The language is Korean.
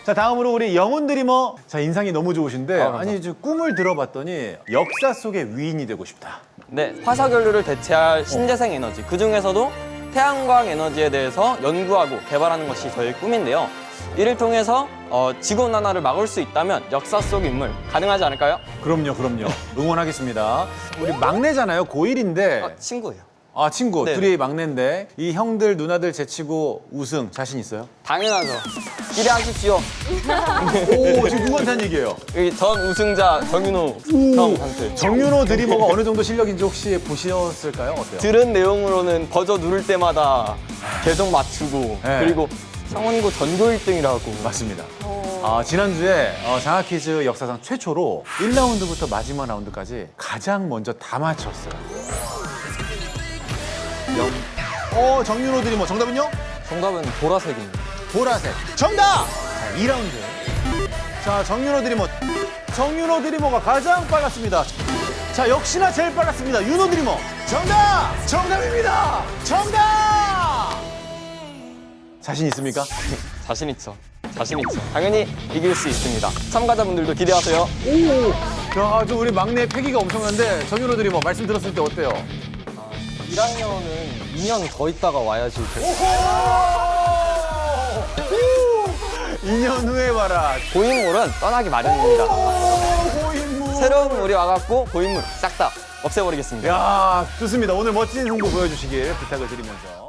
자, 다음으로 우리 영훈 드리머. 자, 인상이 너무 좋으신데 감사합니다. 아니, 저 꿈을 들어봤더니 역사 속의 위인이 되고 싶다. 네, 화석연료를 대체할 신재생 에너지, 그 중에서도 태양광 에너지에 대해서 연구하고 개발하는 것이 저희 꿈인데요. 이를 통해서 지구온난화를 막을 수 있다면 역사 속 인물 가능하지 않을까요? 그럼요, 그럼요. 응원하겠습니다. 우리 막내잖아요. 고1인데. 친구예요. 아, 친구. 네. 둘이 막내인데 이 형들, 누나들 제치고 우승 자신 있어요? 당연하죠. 기대하십시오. 오, 지금 누구한테 한 얘기예요? 여기 전 우승자 정윤호 형한테. 정윤호 드리머가 어느 정도 실력인지 혹시 보셨을까요? 어때요? 들은 내용으로는 버저 누를 때마다 계속 맞추고 네. 그리고 상원고 전교 1등이라고. 맞습니다. 지난주에 장학퀴즈 역사상 최초로 1라운드부터 마지막 라운드까지 가장 먼저 다 맞췄어요. 정윤호 드리머 정답은요? 정답은 보라색입니다. 보라색. 정답! 자, 2라운드. 자, 정윤호 드리머. 정윤호 드리머가 가장 빨랐습니다. 자, 역시나 제일 빨랐습니다. 윤호 드리머. 정답! 정답입니다! 정답! 자신 있습니까? 자신 있죠. 자신 있죠. 당연히 이길 수 있습니다. 참가자분들도 기대하세요. 자, 아주 우리 막내의 패기가 엄청난데 정윤호 드리머 말씀 들었을 때 어때요? 1학년은 2년 더 있다가 와야지. 오호! 2년 후에 와라. 고인물은 떠나기 마련입니다. 고인물. 새로운 물이 와갖고 고인물 싹 다 없애버리겠습니다. 야, 좋습니다. 오늘 멋진 홍보 보여주시길 부탁을 드리면서.